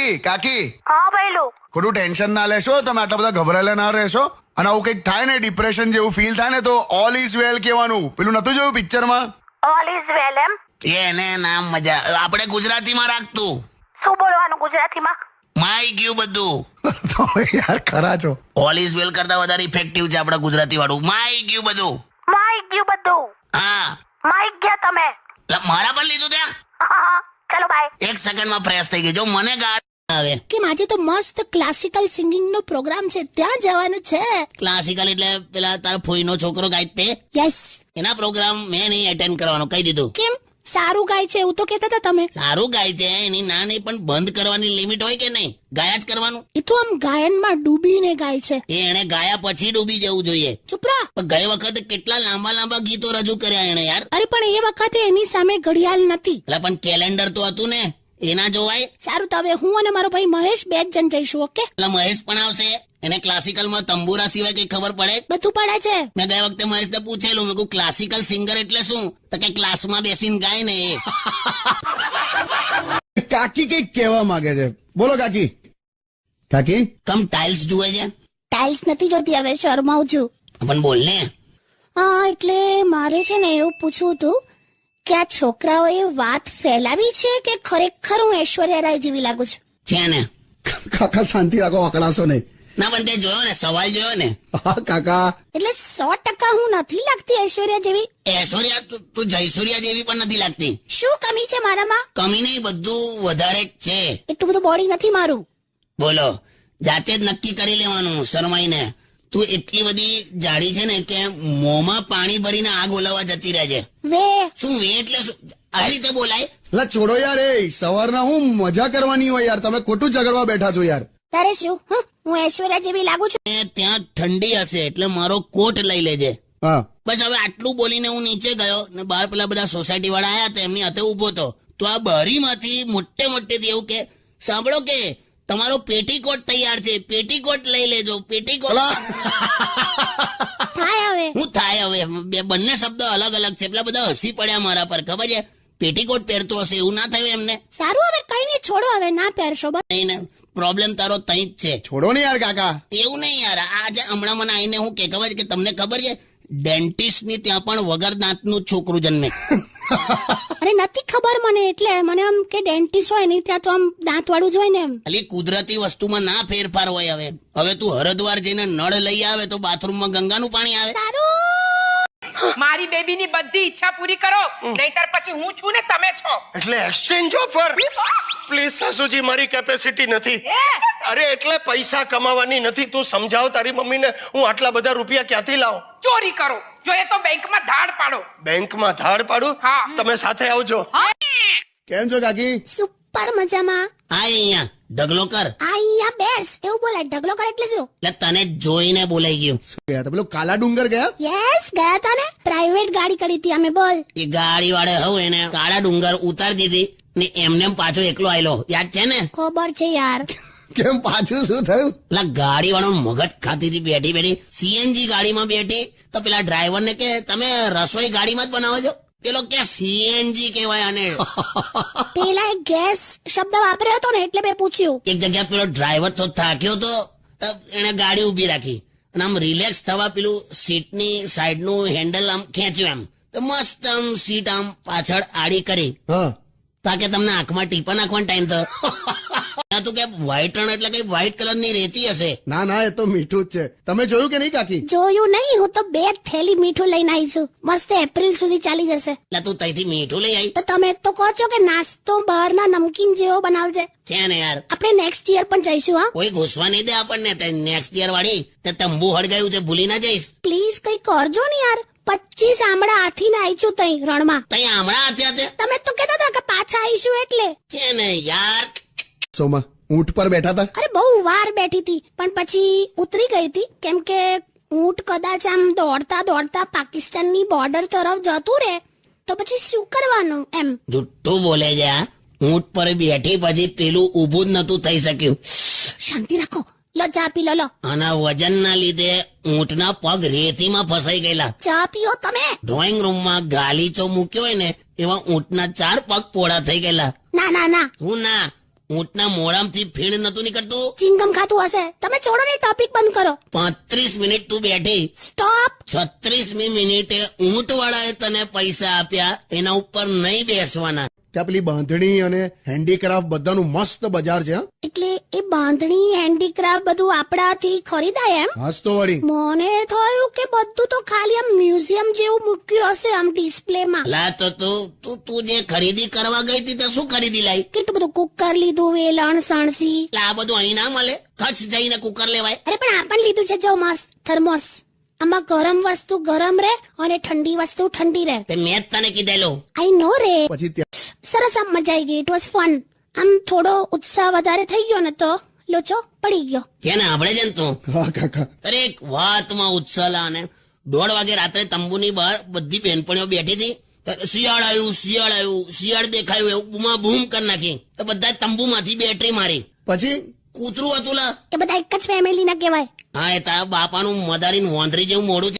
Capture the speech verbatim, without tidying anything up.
કાકી કાકી હા ભઈલું, ખોટું ટેન્શન ના લેશો, તમે આટલા બધા ગભરાયેલા ના રહેશો. અને આવું કંઈક થાય ને ડિપ્રેશન જેવું ફીલ થાય ને તો ઓલ ઇઝ વેલ કહેવાનું. પેલું નતું જોયું પિક્ચરમાં? ઓલ ઇઝ વેલ એમ? એને નામ મજા. આપણે ગુજરાતીમાં રાખતું. શું બોલવાનું ગુજરાતીમાં? માઈ ગયું બધું. તો યાર ખરા છો. ઓલ ઇઝ વેલ કરતા વધારે ઇફેક્ટિવ છે આપણા ગુજરાતી વાળું. માઈ ગયું બધું. માઈ ગયું બધું. હા, માઈ ગયા તમે. લા, મારા પર લીધું ત્યાં. ચલો બાય. એક સેકન્ડમાં ફ્રેશ થઈ ગઈ. જો મને ગાળ આવે કે આજે તો મસ્ત ક્લાસિકલ સિંગિંગ નો પ્રોગ્રામ છે, ત્યાં જવાનું છે. ક્લાસિકલ એટલે પેલા તારા ફોઈનો છોકરો ગાય તે યસ. એના પ્રોગ્રામ મેં નહીં એટેન્ડ કરવાનો કહી દીધું. કેમ? સારું ગાય છે એવું તો કહેતા હતા તમે. સારું ગાય છે એની ના નહીં, પણ બંધ કરવાની લિમિટ હોય કે નહીં? ગાયા જ કરવાનું. એ તો આમ ગાયનમાં ડૂબીને ગાય છે. એ એને ગાયા પછી ડૂબી જવું જોઈએ. ચૂપ રહો. પણ ગઈ વખતે કેટલા લાંબા લાંબા ગીતો રજૂ કર્યા એને યાર. અરે પણ એ વખતે એની સામે ઘડિયાળ નથી. એટલે પણ કેલેન્ડર તો હતું ને, એના જોવાય. સારું, તો હવે હું અને મારો ભાઈ મહેશ બે જ જણ જઈશું. ઓકે? એટલે મહેશ પણ આવશે. એને ક્લાસિકલમાં તંબુરા સિવાય કઈ ખબર પડે? બધું પડે છે. મેં ગયા વખતે મહેશને પૂછેલું, મેં કહ્યું ક્લાસિકલ સિંગર એટલે શું? તો કે ક્લાસમાં બેસીને ગાય ને એ. કાકી કઈક કહેવા માંગે છે, બોલો કાકી. કાકી કમ ટાઇલ્સ જુએ છે? ટાઇલ્સ નથી જોતી, હવે શરમાઉં છું. પણ બોલ ને. હા, એટલે મારે છે ને એવું પૂછવું હતું કે આ છોકરાઓએ વાત ફેલાવી છે કે ખરેખર હું ઐશ્વર્યા રાય જેવી લાગુ છું? છે ને. કાકા શાંતિ રાખો, અકળાશો નહીં. ના પણ તે જોયો ને, સવાલ જોયો ને. હા કાકા, એટલે સો ટકા હું નથી લાગતી ઐશ્વર્યા જેવી? ઐશ્વર્યા તું- તું જયસૂર્યા જેવી પણ નથી લાગતી. શું કમી છે મારામાં? કમી નહીં, બધું વધારે જ છે. એટલું બધું બોડી નથી મારું. બોલો, જાતે જ નક્કી કરી લેવાનું શરમાઈને. તું એટલી બધી જાડી છે ને કે મોંમાં પાણી ભરીને આગ ઓલાવવા જતી રહે છે. વે શું વે એટલે શું? આ રીતે બોલાય? લા છોડો યાર, એ સવારના હું મજા કરવાની હોય યાર, તમે ખોટું ઝઘડવા બેઠા છો યાર. તારે શું? હં? હું ઐશ્વર્યા જેવી લાગુ છું? એ ત્યાં ઠંડી હશે એટલે મારો કોટ લઈ લેજે. હા બસ હવે આટલું બોલીને હું નીચે ગયો ને બહાર પેલા બધા સોસાયટી વાળા આયા તો એમની હાથે ઉભો હતો. તો આ બારીમાંથી મોટે મોટેથી એવું કે, સાંભળો કે તમારો પેટીકોટ તૈયાર છે, પેટીકોટ લઈ લેજો, પેટીકોટ. થાય હવે. હું થાય હવે? બે બંને શબ્દો અલગ અલગ છે. પેલા બધા હસી પડ્યા મારા પર, ખબર છે? પેટીકોટ પહેરતો હશે એવું ના થયું એમને? સારું, હવે કઈ નહીં, છોડો, હવે ના પહેરશો. બસ. નહીં ને, પ્રોબ્લેમ તારો તઈ જ છે. છોડો ને યાર કાકા. એવું નહીં યાર, આજે હમણાં મને આવીને હું કે ખબર છે કે તમને ખબર છે ડેન્ટિસ્ટ ની ત્યાં પણ વગર દાંતનું છોકરું જન્મે. અરે નથી ખબર મને, એટલે મને આમ કે ડેન્ટિસ્ટ હોય નહીં ત્યાં તો આમ દાંત વાળું જ હોય ને એમ. ખાલી કુદરતી વસ્તુમાં ના ફેરફાર હોય. હવે હવે તું હરદ્વાર જઈને નળ લઈ આવે તો બાથરૂમમાં ગંગાનું પાણી આવે. સારું. મારી બેબીની બધી ઈચ્છા પૂરી કરો, નહીતર પછી હું છું ને તમે છો. એટલે એક્સચેન્જ ઓફર? પ્લીઝ સાસુજી, મારી કેપેસિટી નથી. અરે એટલે પૈસા કમાવાની નથી. તું સમજાવ તારી મમ્મીને, હું આટલા બધા રૂપિયા ક્યાંથી લાવું? ચોરી કરો, જોઈએ તો બેંકમાં ધાડ પાડો. બેંકમાં ધાડ પાડું? હા. તમે સાથે આવજો. કેમ છો કાકી? સુપર મજામાં. આ અહીંયા ઢગલો કર. આયા બેસ, એવું બોલાય. ઢગલો કર એટલે શું? એટલે તને જોઈને બોલાઈ ગયું. ગયા હતા પેલો કાલા ડુંગર ગયા? યસ, ગયા તા ને. પ્રાઇવેટ ગાડી કરી હતી અમે. બોલ. એ ગાડી વાળે હવે એને કાળા ડુંગર ઉતારી દીધી ને એમને એમ પાછો એકલો આયલો. યાદ છે ને? ખબર છે યાર. કેમ પાછું શું થયું? પેલા ગાડી વાળો મગજ ખાતી હતી બેઠી બેઠી. સીએનજી ગાડીમાં બેઠી તો પેલા ડ્રાઈવર ને કે તમે રસોઈ ગાડીમાં જ બનાવો છો? પેલો કે સીએનજી કહેવાય આને. પેલા એક ગેસ શબ્દ વાપર્યો હતો ને એટલે મેં પૂછ્યું. એક જગ્યા પેલો ડ્રાઈવર તો થાક્યો તો એને ગાડી ઉભી રાખી અને આમ રિલેક્સ થવા પેલું સીટની સાઈડનું હેન્ડલ આમ ખેંચ્યું એમ તો મસ્ત આમ સીટ આમ પાછળ આડી કરી હા તાકે તમને આંખમાં ટીપા નાખવાનો ટાઈમ થયો. તું કે વ્હાઈટ રણ એટલે કઈ વ્હાઈટ કલર ની રેતી હશે. ના ના, એ તો મીઠું જ છે. તમે જોયું કે નહીં કાકી? જોયું નહીં, હું તો બે થેલી મીઠું લઈને આવીશું. મસ્ત એપ્રિલ સુધી ચાલી જશે. એટલે તું તઈથી મીઠું લઈ આવી તો તમે તો કહો છો કે નાસ્તો બહારના નમકીન જેવો બનાવજે. છે ને યાર. આપણે નેક્સ્ટ યર પણ જઈશું. હા, કોઈ ઘૂસવા નહીં દે આપણને. નેક્સ્ટ યર વાળી તે તંબુ હળગાયું છે, ભૂલી ના જઈશ. પ્લીઝ કઈ કરજો ને યાર. પચીસ આમળા હાથીને આવીશું તઈ રણમાં. તઈ હમણાં હતા તે તમે તો કહેતા હતા કે પાછા આવીશું એટલે. છે ને યાર. સોમાં ઊંટ પર બેઠા હતા? અરે બહુ વાર બેઠી હતી પણ પછી ઉતરી ગઈ હતી, કેમ કે ઊંટ કદાચ આમ દોડતા દોડતા પાકિસ્તાનની બોર્ડર તરફ જતું રહે તો પછી શું કરવાનું એમ. જુઠ્ઠું બોલે છે આ. ઊંટ પર બેઠી પછી પેલું ઊભું જ નતું થઈ શક્યું. શાંતિ રાખો. લો ચા પી લો. લો આના વજનના લીધે ઊંટના પગ રેતીમાં ફસાઈ ગયેલા. ચા પીઓ તમે. ડ્રોઈંગ રૂમમાં ગાલીચો મૂક્યો હોય ને એવા ઊંટના ચાર પગ પોળા થઈ ગયેલા. ના ના ના, હું ના ઊંટના મોઢામાંથી ફીણ નતું નીકળતું. ચિંગમ ખાતું હશે. તમે છોડો ને, ટોપિક બંધ કરો. પાંત્રીસ મિનિટ તું બેઠી, સ્ટોપ. છત્રીસમી મિનિટે ઊંટ વાળાએ તને પૈસા આપ્યા, એના ઉપર નહીં બેસવાના. ત્યાં પેલી બાંધણી અને હેન્ડીક્રાફ્ટ બધાનું મસ્ત બજાર છે હા? એટલે એ બાંધણી હેન્ડીક્રાફ્ટ બધું આપણાથી ખરીદાય એમ? હાસ તો વળી. મને થયું કે બધું તો ખાલી આમ મ્યુઝિયમ જેવું મૂક્યું હશે આમ ડિસ્પ્લેમાં. લા તો તું તું તું જે ખરીદી કરવા ગઈ હતી તો શું ખરીદી લાવી? કેટલું બધું કુકર લીધું, વેલણ, સણસી. લા આ બધું અહીં ના મળે, કચ્છ જઈને કુકર લેવાય. અરે પણ આ પણ લીધું છે જો મસ્ત થર્મોસ. આમાં ગરમ વસ્તુ ગરમ રહે અને ઠંડી વસ્તુ ઠંડી રહે. તે મેં જ તને કીધેલું. આઈ નો રે. પછી ત્યાં સરસ આમ મજા આવી ગઈ. It was fun. આમ થોડો ઉત્સાહ વધારે થઈ ગયો ને તો લોચો પડી ગયો. કેને આપણે છે ને તું હા કાકા. દરેક વાતમાં ઉત્સાહ અને દોઢ વાગે રાત્રે તંબુની બહાર બધી બહેનપણીઓ બેઠી હતી. શિયાળ આવ્યું, શિયાળ આવ્યું, શિયાળ દેખાયું એવું બૂમા બૂમ કરી નાખી. તો બધા તંબુમાંથી બેટરી મારી. પછી કૂતરું હતું લા. એ બધા એક જ ફેમિલી ના કહેવાય. હા, એ તારા બાપાનું મદારીનું હોંધરી જેવું મોડું છે.